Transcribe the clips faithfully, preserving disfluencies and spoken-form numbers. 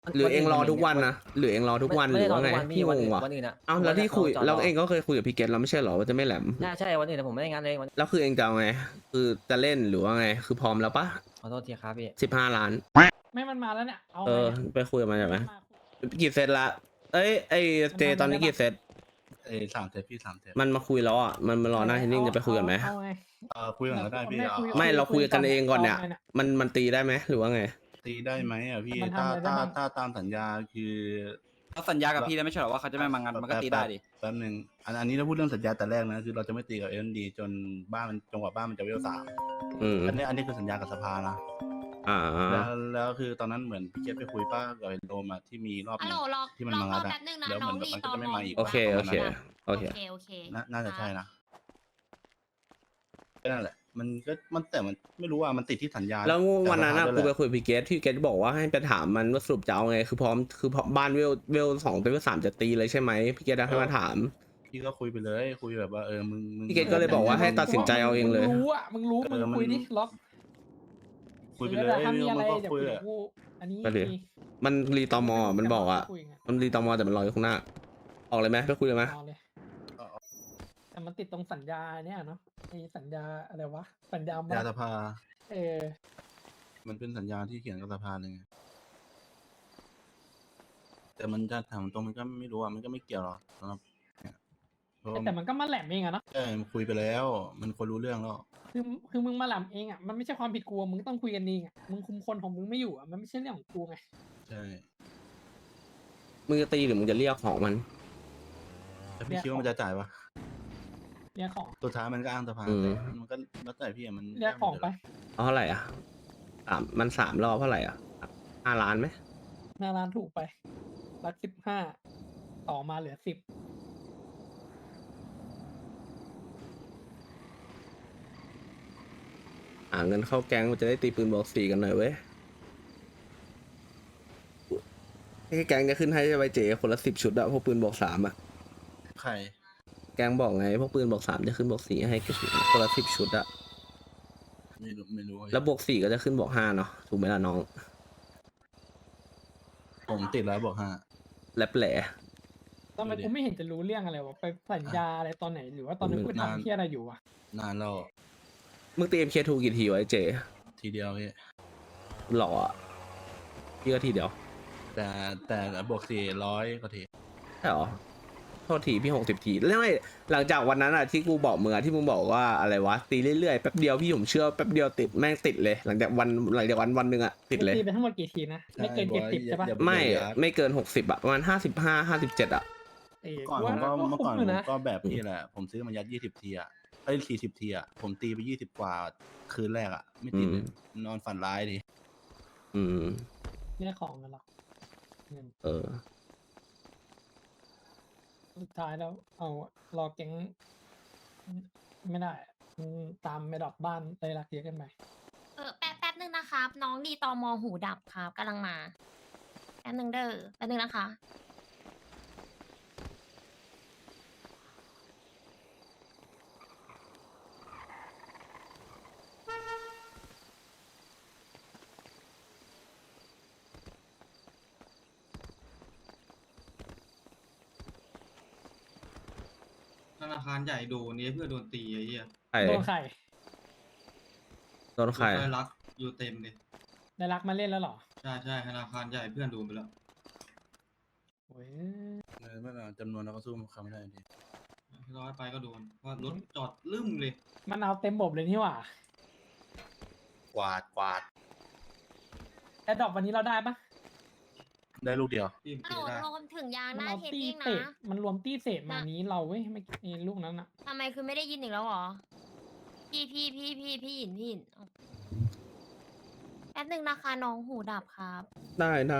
หรือเองรอทุกวันนะหรือเองรอทุกวันหรือว่าไงพี่งงว่ะวันอื่นอะเอ้าแล้วที่คุยแล้วเองก็เคยคุยกับพี่เกตแล้วไม่ใช่หรอว่าจะไม่แหลมใช่ใช่วันอื่นผมไม่ได้งานเลยวันแล้วคือเองจะเอาไงคือจะเล่นหรือว่าไงคือพร้อมแล้วปะขอโทษทีครับพี่สิบห้าล้านไม่มันมาแล้วเนี่ยเอาเอไงอเนี่ยไปคุยกับมันใช่ไหมมากี่เซตละเอ้ยไอเจตอนนี้กี่เซตเอ้ยสามเทปพี่สามเทปมันมาคุยแล้วอ่ะมันมารอหน้าเทนนิ่งจะไปคุยกันไหมเอาไงเออคุยก่อนก็ได้พี่ไม่เอาคุยไม่เราคุยกันเองก่อนเนี่ยเอาไงเนี่ยมันมันตีได้ไหมหรือว่าไงตีได้ไหมอ่ะพี่มันทำถ้าอะไรได้ถ้าบ้างถ้าตามสัญญาคือเขาสัญญากับพี่แล้วไม่ใช่เหรอว่าเขาจะไม่มางานมันก็ตีได้ดิแป๊บหนึ่งอันอันนี้เราพูดเรื่องสัญญาแต่แรกนะคือเราจะไม่ตีกับเอ็นดีจนบ้านมันจังหวะบ้านมันจะเวลสามอืมอันนี้อันนี้คือสัญญากับสภานะอ่าแล้วแล้วคือตอนนั้นเหมือนพี่เกตไปคุยป้ากับไอ้โดมอะที่มีรอบหฮัลนึโหลงรอที่มันรอมางัดรออะแป๊บนึงนะแล้วน้องเหมือนรีมันตก็อจะไม่มอมาอีกโอเคโอเคโอโอเคเคโอเคน่าน่าจะใช่ครับนะก็นั่นแหละ มันก็มันแต่มันไม่รู้ว่ามันติดที่สัญญาแล้ววันนั้นอะแต่กูสภาด้วยแหไปละคุยกับพี่เกตพี่เกตบอกว่าให้ไปถามมันว่าสรุปจะเอาไงคือพร้อมคือพร้อมบ้านเวลเวลสองเป็นเวลสามจะตีเลยใช่ไหมพี่เกตให้มาถามพี่ก็คุยไปเลยคุยแบบว่าเออมึงมึงพี่เกตก็เลยบอกว่าให้ตัดสินใจเอาเองเลยมึงรู้อ่ะมึงรู้เอมึงอมันคุยดิล็อกคุยไปหรือเลยว่าถ้ามีอะไรมันก็เดี๋ยวคุยเดี๋ยอะวกูอันนี้ไปดิ มันรีตอมอมันบอกอ่ะคุยไงมันรีตอมอแต่มันรออยู่ข้างหน้า ออกเลยไหมไปคุยเลยไหมเอาเลยแต่มันติดตรงสัญญาเนี่ยเนาะไอ้สัญญาอะไรวะสัญญาบัยาตสรภาเออมันเป็นสัญญาที่เขียนกับสภาเลยไงแต่มันจะถามตรงมันก็ไม่รู้อ่ะมันก็ไม่เกี่ยวหรอกสำหรับเนี่ยเพราะว่าแต่มันก็มาแหลมเองอะเนาะเออมันคุยไปแล้ว มันคนรู้เรื่องแล้วคือคือมึงมาแหลมเองอะมันไม่ใช่ความผิดกูอะมึงต้องคุยกันเองอะมึงคุมคนของมึงไม่อยู่อะมันไม่ใช่เรื่องของกูไงใช่มึงจะตีหรือมึงจะเรียกของมันแต่พี่คิดว่ามันจะจ่ายปะเรียกของสุดท้ายมันก็อ้างสภาอืมแต่มันก็แล้วแต่พี่อะมันเรียกของไปเอาเท่าไหร่อ่ะสามมันสามรอบเท่าไหร่อ่ะห้าล้านไหมหน้าร้านถูกไปรักสิบห้าต่อมาเหลือสิบอ่าเงินเข้าแก๊งมันจะได้ตีปืนบอกสี่กันหน่อยเว้ยให้แก๊งจะขึ้นให้ไวเจคนละสิบชุดอะพวกปืนบอกสามอะใครแก๊งบอกไงพวกปืนบอกสามจะขึ้นบอกสี่ให้คนละสิบชุดอะไม่รู้ไม่รู้แล้วบวกสี่ก็จะขึ้นบอกห้าเนาะถูกไหมล่ะน้องผมติดแล้วบอกฮะแลบแหล่ทำไมดูดิกูไม่เห็นจะรู้เรื่องอะไรวะไปสัญญาอะไรตอนไหนหรือว่าตอนนั้นกูนานทำเที่ยอะไรอยู่วะนานแล้วมึงตีเอ็มเคทูกี่ทีวะไอ้เจทีเดียวพี่หล่ออะพี่ก็ทีเดียวแต่แต่บวกสี่ร้อยกว่าทีใช่หรอโทษทีพี่หกสิบทีแล้วไม่หลังจากวันนั้นอะที่กูบอกมึงอะที่มึงบอกว่าอะไรวะตีเรื่อยๆแป๊บเดียวพี่ผมเชื่อแป๊บเดียวติดแม่งติดเลย หลังจากวันหลังจากวันวันหนึ่งอะติดเลยตีไปทั้งหมดกี่ทีนะ ไม่เกินเจ็ดสิบใช่ปะอย่าไม่อย่าไม่เกินหกสิบอะประมาณห้าสิบห้าห้าสิบเจ็ดอะเออก่อนกูผมว่าก็เมื่อก่อนคุ้ผมยู่นะก็แบบพี่แหละ ผมซื้อมายัดยี่สิบทีอ่ะเอ้ยสี่สิบทีอ่ะ ผมตีไปยี่สิบกว่าคืนแรกอ่ะ ไม่ติดเลยนอนฝันร้ายดิอืมเรียกของกันหรอกเงินเออสุดท้ายแล้วเอารอแก๊งไม่ได้อะมึงตามไม่ดอกบ้านเลยรักเยอะกันไปเออแป๊บแป๊บนึงนะครับ น้องรีตอมอหูดับครับกำลังมาแป๊บนึงเด้อแป๊บนึงนะคะธนาคารใหญ่โดนนี้เพื่อโดนตีไอ้เหี้ยใครโดนใครโดนใครได้รักอยู่เต็มเลยได้รักมาเล่นแล้วเหรอใช่ใช่ธนาคารใหญ่เพื่อนโดนไปแล้วโอ้ยเออเมื่อจำนวนเราก็สู้เขาไม่ได้ดิร้อยไปก็โดนเพราะรถจอดลืมเลยมันเอาเต็มบบเลยนี่หว่ากวาดกวาดแอดดอกวันนี้เราได้ปะได้ลูกเดียวที่ฮัลตีโหลได้รวมถึงยางหมันน้าเอาเทปตี้เองเศษนะมันรวมตี้เศษมานี้เราเว้ยไม่ไอ้ลูกนั้นอะทำไมคือไม่ได้ยินอีกแล้วเหรอ พี่พี่พี่พี่พี่หยินพี่หยินเอาแป๊บนึงนะคะน้องหูดับครับได้ได้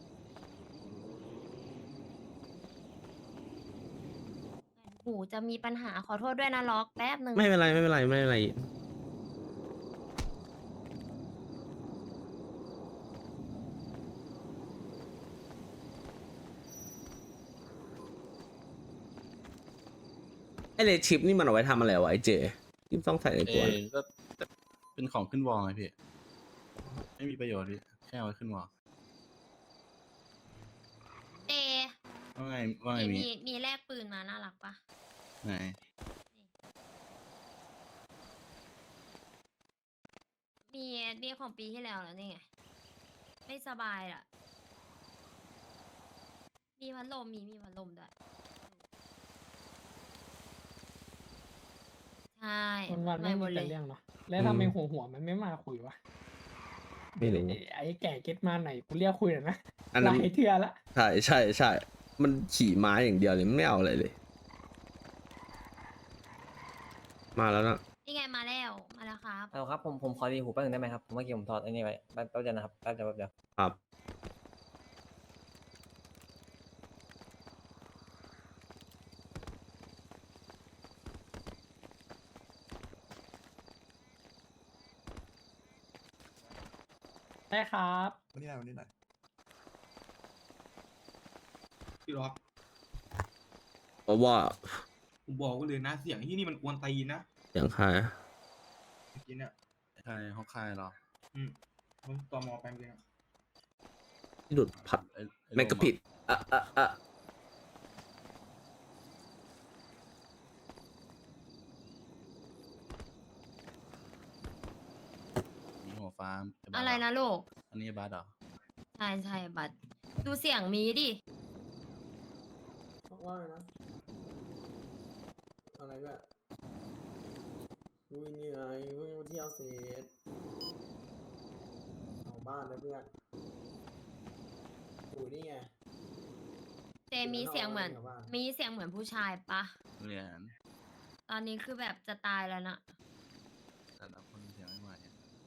หูจะมีปัญหาขอโทษด้วยนะล็อกแป๊บนึงไม่เป็นไรไม่เป็นไรไม่เป็นไรไอเลชิปนี่มันเอาไว้ทำอะไรวะไอเจที่ต้องใส่ในเอตัวอก็เป็นของขึ้นวอลไงพี่ ไม่มีประโยชน์พี่ แค่เอาไว้ขึ้นวอลไม่ว่าไงมีมีมีมีแลกปืนมาน่ารักปะไหนมีมีของปีที่แล้วแล้วนี่ไงไม่สบายอ่ะ มีพัดลมมีมีพัดลมด้วยใช่วันวันๆไม่ไม่หมมีดเลแต่ยเรื่องเนาะแล้วทำไมหัวหัวมันไม่มาคุยวะไม่รู้ไอ้ไอ้แก่เก็ตมาไหนกูเรียกคุยหน่อยนะอันหนั้ลาน ยเทื่อละใช่ใช่ใช่ มันขี่ม้าอย่างเดียวเลยไม่เอาอะไรเลย มาแล้วนะนี่ไงมาแล้วมาแล้วครับเอาครับผมผมขอรีหูแป๊บนึงได้ไหมครับผมเมื่อกี้ผมถอดไอ้นี่ไว้แป๊บแป๊บเดียวนะครับแป๊บเดียวแป๊บเดียวครับได้ครับวันนี้ไหนวันนี้ไหนพี่ล็อกเพราะว่าผมบอกไว้เลยนะเสียงที่นี่มันกวนตีนนะอย่างใครเมื่อกี้เนี่ยใช่ห้องค่ายเหรออืมผมตอมอแปลงเองอะที่หลุดผัดไอ้ไอ้แม่งก็ผิดอ่ะอ่ะอ่ะมีหัวฟ้าไบัสอะไรเหนะลูกอันนี้บัสเหรอใช่ใช่บัตรดูเสียงมีดิว่าไงนะอะไรแบบวิ่งยังไงวิ่งเที่ยวเสร็จเอาบ้านนะเพื่อนอุ้ยนี่ไงเจมีเสียงเหมือน มีเสียงเหมือนผู้ชายปะเรียนตอนนี้คือแบบจะตายแล้วนะแต่ละคนเสียงไม่ไหว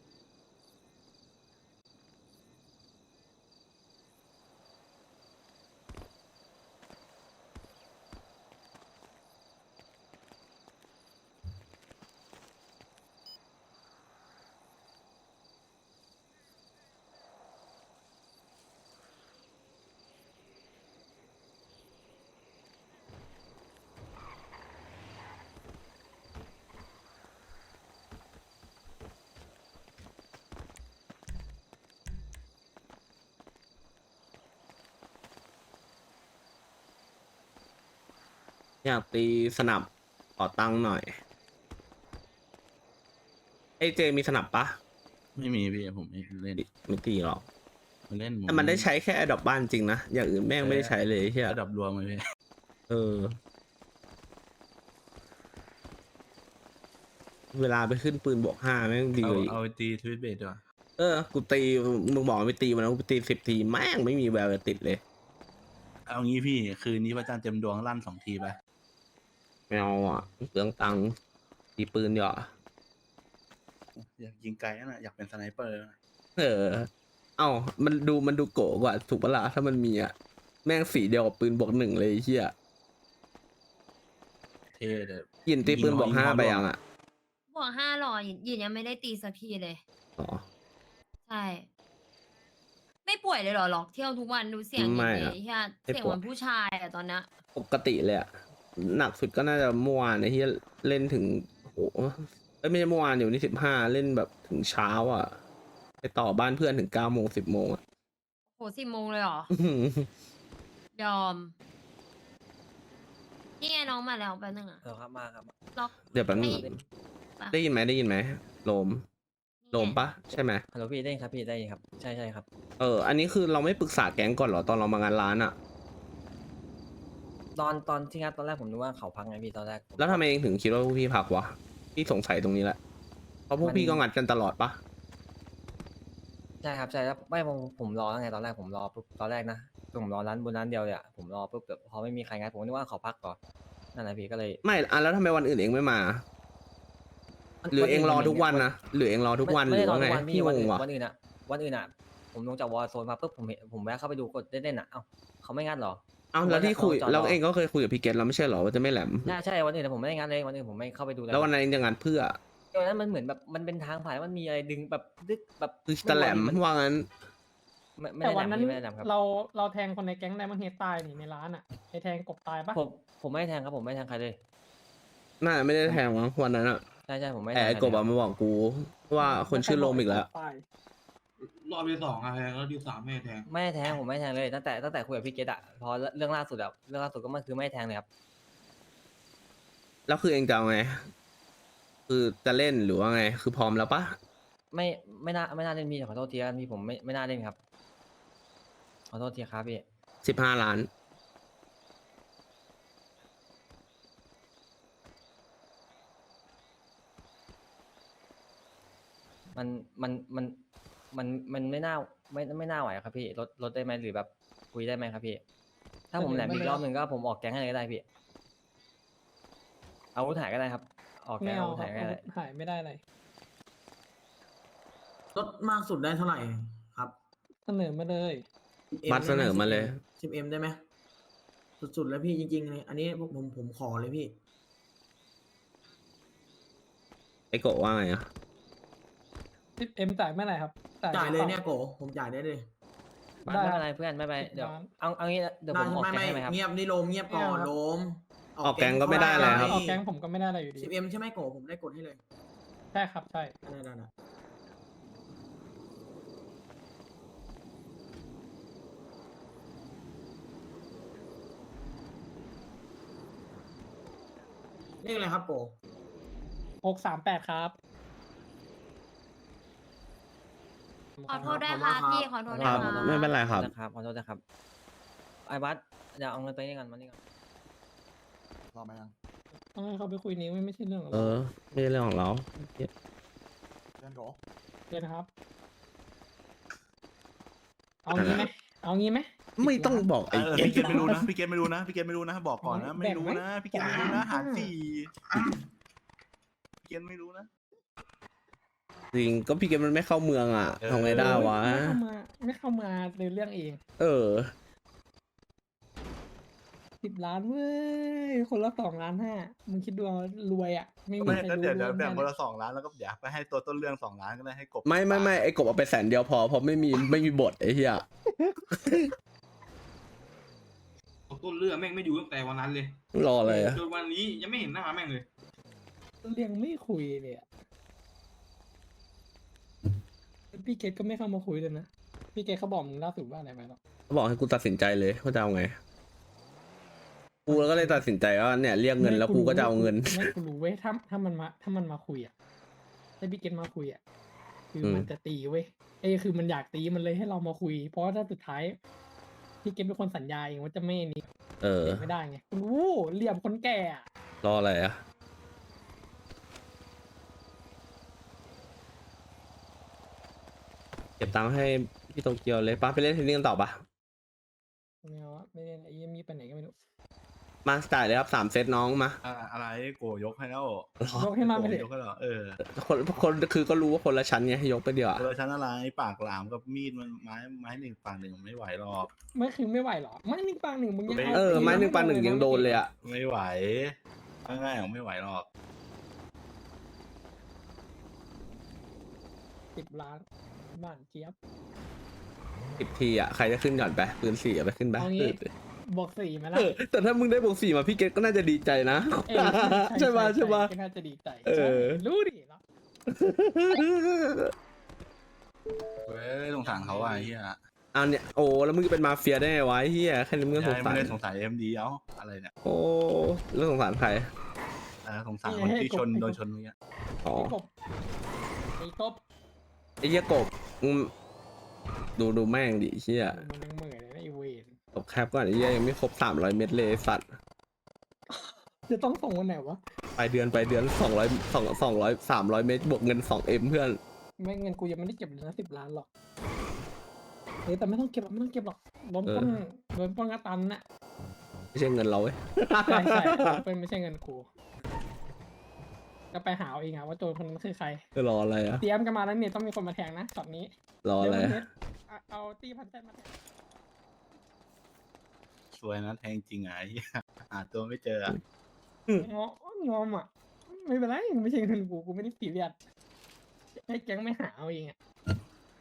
อยากตีสนับขอตังค์หน่อยไอ้เจมีสนับปะไม่มีพี่ผมไม่เล่นไม่ตีหรอกมันเล่นแต่มันได้ใช้แค่ดอกบ้านจริงนะ อย่างอื่นแม่งไม่ได้ใช้เลยเฮียระดับรวมเลยพี่เออ เวลาไปขึ้นปืนบวกห้าแม่งดีเอากว่าอีกเอาไปตีทวิตเบสดีกว่าเออ กูตี มึงบอกว่าไปตีมันนะกูไปตีสิบทีแม่งไม่มีแววจะติดเลยเอางี้พี่คืนนี้พระจันทร์เต็มดวงลั่นสองทีไปไม่เอาอ่ะเปลืองตังค์ตีปืนเดี๋ยวาอยากยิงไกลนะอยากเป็นสไนเปอร์นะเออ เอ้า มันดูมันดูโกะกว่า ถูกปะล่ะถ้ามันมีอ่ะ แม่งสีเดียวกับปืนบวกหนึ่งเลยไอ้เฮียเท่เด้อยินตีปืนยิงบวกยิงห้าเข้าไปร่วงยังอ่ะบวกห้าหรอยินยินยังไม่ได้ตีสักทีเลยอ๋อใช่ ไม่ป่วยเลยเหรอหรอกเที่ยวทุกวันดูเสียงไม่อย่างอะนี้ใช่ไม่เสียงป่เหวยมือนผู้ชายอะตอนเนี้ยปกติเลยอ่ะ หนักสุดก็น่าจะเมื่อวานไอ้ที่เล่นถึงโหเอ้ยไม่ใช่เมื่อวานอยู่นี่สิบห้าเล่นแบบถึงเช้าอ่ะ ไปต่อบ้านเพื่อนถึงเก้าโมงสิบโมงอ่ะโหสิบโมงเลยเหรอ ยอม นี่ไงน้องมาแล้วแป๊บนึงอะเอาครับมาครับล็อกเดี๋ยวแป๊บนึงให้ ปะได้ยินไหมได้ยินไหมโลม โลมปะใช่ไหมฮัลโหลพี่ได้ยินครับพี่ได้ยินครับใช่ใช่ครับเออ อันนี้คือเราไม่ปรึกษาแก๊งก่อนเหรอ ตอนเรามางานร้านอ่ะตอนตอนที่งัดตอนแรกผมนึกว่าเขาพักไงพี่ตอนแรกผมแล้วทำไมเองถึงคิดว่าพวกพี่พักวะ พี่สงสัยตรงนี้แหละ เพราะพวกมันพี่ก็งัดกันตลอดปะใช่ครับใช่แล้วไม่ผมผมรอแล้วไงตอนแรกผมรอปุ๊บตอนแรกนะผมรอร้านบนร้านเดียวเลยอะผมรอปุ๊บแบบพอไม่มีใครงัดผมนึกว่าเขาพักก่อนนั่นแหละพี่ก็เลยไม่อ่ะแล้วทำไมวันอื่นเองไม่มา หรือเองรอทุกวันนะ หรือเองรอทุกวันหไม่รือได้รอว่าไงทุกวันพี่พี่งวันงอื่นว่ะวันอื่นอะวันอื่นอะผมลงจากวอลโซนมาปุ๊บผมเห็นผมแวะเข้าไปดูกดเล่นๆอะเอ้าเขาไม่งัดเหรอเอ้าแล้วที่คุยจอดรอแล้วเองก็เคยคุยกับพี่เกตแล้วไม่ใช่เหรอว่าจะไม่แหลมใช่ใช่วันอื่นอะผมไม่ได้งัดเลยวันอื่นผมไม่เข้าไปดูเลยแล้ววันนั้นเองจะงัดเพื่อวันนั้นมันเหมือนแบบมันเป็นทางผ่านแล้วมันมีอะไรดึงแบบดึกแบบคือจะแหลมไรู้ว่างั้นไม่ไม่แต่ได้แหลวันมนั้นพี่ไม่ได้แหลมครับเราเราแทงคนในแก๊งไดมอนเฮดตายนี่ในร้านอ่ะไอแทงกบตายปะผมผมไม่ได้แทงครับผมไม่ได้แทงใครเลยน่าไม่ได้แทงมั้งวันนั้นอะใช่ใช่ผมไม่ได้แต่แทงไอ้ใครกบเลยอะมาบอกกู ว่าคนชื่อโลมอีกแล้วตายโลรอบที่สองอะแทงแล้วที่สามไม่แทงไม่ให้แทงผมไม่ให้แทงเลยตั้งแต่ตั้งแต่คุยกับพี่เกตอะพอเรื่องล่าสุดอะเรื่องล่าสุดก็มันคือไม่ให้แทงเลยครับแล้วคือเองจะเอาไง คือจะเล่นหรือว่าไง คือพร้อมแล้วปะไม่ไม่น่าไม่น่าเล่นพี่ขอโทษทีครับพี่ผมไม่ไม่น่าเล่นครับขอโทษทีครับพี่สิบห้าล้านมันมันมันมันมันไม่น่าไม่ไม่น่าไหวครับพี่ลดลดได้ไหมหรือแบบคุยได้ไหมครับพี่ ถ้าผมแหลมอีกรอบหนึ่งก็ผมออกแก๊งให้เลยก็ได้พี่อาวุธหายก็ได้ครับ ออกแก๊ไม่งเอาอาวุธครัหาบยก็ได้หายไม่ได้อะไรลดมากสุดได้เท่าไหร่ครับเสนอมาเลย 10M มัดเสนอมาเลยสิบเอ็มได้ไหมสุดๆแล้วพี่จริงๆเลยอันนี้พวกผมผมขอเลยพี่ไอโกะว่าไงอะสิบเอ็มจ่ายเมื่อไหร่ครับจ่ายเลยปเนี่ยโกผมจ่ายได้เลยไม่ได้ไม่คเป็รับนไรเพื่อนไม่เป็นไรสิบเดี๋ยวล้านเอาเอางี้เดี๋ยวผได้มออกไม่แก๊งไม่ให้ไหมครับเงียบนี่โลมเงียบก่อนไม่เอาครับโลมออกแก๊งก็ไม่ได้อะไรครับออกแก๊งผมก็ไม่ได้อะไรอยู่ดีสิบเอ็มใช่ไหมโกผมได้กดให้เลยใช่ครับใช่ได้ได้ได้เรียกอะไรครับโกหกสามแปดครับขอโทษด้วยค่ะพี่ขอโทษคด้วยรับค่ะไม่เป็นไรครับนะครับขอโทษนะครับไอ้บัสเดี๋ยวเอาเงินไปนี่ก่อนมานี่ก่อนรอไหมยังต้องให้เขาไปคุยนิ้วไม่ใช่เรื่องของเอเราอ ไม่ใช่เรื่องของเราเพื่อนโกเดี๋ยวนะครับ เอางี้ไหมเอางี้ไหมไม่ต้องบอกเอไอ้อเก๊กพี่เกตไม่รู้นะพี่เกตไม่รู้นะพี่เกตไม่รู้นะบอกก่อนนะไม่รู้นะพี่เกตไม่รู้นะหารสี่พี่เกตไม่รู้นะจริง ก็พี่เกมมันไม่เข้าเมืองอ่ะเออทำไงได้วะไม่เข้ามาไม่เข้ามาในเรื่องเองเออสิบล้านเว้ย คนละสองล้านห้ามึงคิดดูเอารวยอ่ะ ไม่มีไม่ใครก็รู้เดี๋ยวเดี๋ยวร่วมแบ่งได้คนละสองล้านแล้วก็เดี๋ยวไปให้ตัวต้นเรื่องสองล้านก็ได้ให้กบไม่ไม่ไม่ไอ้กบเอาไปแสนเดียวพอ เพราะไม่มีไม่มีบทไอ้เหี้ยต้นเรื่องแม่งไม่อยู่ตั้งแต่วันนั้นเลยรออะไรอะจนวันนี้ยังไม่เห็นหน้าแม่งเลยเรื่องไม่คุยเลยอะพี่เกตก็ไม่เข้ามาคุยเลยนะ พี่เกตเขาบอกมึงล่าสุดว่าอะไรไหมหรอเขาบอกให้กูตัดสินใจเลยว่าจะเอาไง กูก็เลยตัดสินใจว่าเนี่ยเรียกเงินแล้วกูก็จะเอาเงินไม่กูรู้เว้ยถ้าถ้ามันมาถ้ามันมาคุยอ่ะถ้าพี่เกตมาคุยอ่ะคืออมมันจะตีเว้ยเอ้ยคือมันอยากตีมันเลยให้เรามาคุย เพราะว่าถ้าสุดท้ายพี่เกตเป็นคนสัญญาเองว่าจะไม่นี่เออไม่ได้ไงกูรู้เหลี่ยมคนแก่อะรออะไรอะเก็บตังค์ให้พี่โตเกียวเลยป้าไปเล่นเทนนิสกันต่อปะไม่เอาอะไม่เล่นไอ้เหี้ยมีไปไหนก็ไม่รู้มาจ่ายเลยครับสามเซตน้องมาอ่าอะไรโกยกให้แล้วยกให้มาไปเลยโกยกให้แล้วเออคนคนคือก็รู้ว่าคนละชั้นไงยกไปเดียวอะเออชั้นอะไรปากหลามกับมีดมันไม้ไม้หนึ่งปากหนึ่งไม่ไหวหรอกไม่คือไม่ไหวหรอไม่หนึ่งปังหนึ่งมึงยังเออตีไม้หนึ่งด้ปานหนึ่งยังโดนเลยอะไม่ไหวง่ายๆของไม่ไหวหรอกสิบล้านบ้านเจี๊ยบสิบทีอะใครจะขึ้นก่อนไปปืนสี่อะไปขึ้นไปเอางี้ บวกสี่ไหมล่ะเออแต่ถ้ามึงได้บวกสี่มาพี่เกตก็น่าจะดีใจนะเออใช่ปะใช่ปะก็น่าจะดีใจเออใช่รู้ดิเนาะเว้ยสงสารเขาอ่ะไอ้เฮียเอาเนี่ยโอ้แล้วมึงจะเป็นมาเฟียได้ไงวะไอ้เฮียแค่นี้มึงก็สงไม่สารได้สงสารเอ็มดีเอ้าอะไรเนี่ยโอ้แล้วสงสารใครเออสงสารคนที่ชนโดนชนเมื่อกี้อ๋อไอ้กบไอ้กบไอ้เหี้ยกบมึงดูดูแม่งดิเฮียมันยังเหม่อเลยนะไอ้เวนตบแคปก่อนไอ้เฮียยังไม่ครบสามร้อยเม็ดเลยไอ้สัตว์จะต้องส่งวันไหนวะไปเดือนไปเดือนสองร้อยสองสองร้อยสามร้อยเม็ดบวกเงินสองเอ็มเพื่อนไม่เงินกูยังไม่ได้เก็บเลยนะสิบล้านหรอกเออแต่ไม่ต้องเก็บหรอกไม่ต้องเก็บหรอกโดนปล้นโดนปล้นกระตันน่ะไม่ใช่เงินเราเว้ยใช่ใช่เป็นไม่ใช่เงินกูก็ไปหาเอาเองอะว่าโจรคนนั้นคือใครจะรออะไรอะเตรียมกันมาแล้วเนี่ยต้องมีคนมาแทงนะช็อตนี้รออะไรเร็วอะเน็ตเอาเอาตีพันแท้มาแทงสวยนะแทงจริงอ่ะไอ้เหี้ยหาตัวไม่เจออะงองอมอ่ะ ไม่เป็นไรไม่ใช่เงินกูกูไม่ได้ปีเรียดให้แก๊งไม่หาเอาเองอ่ะ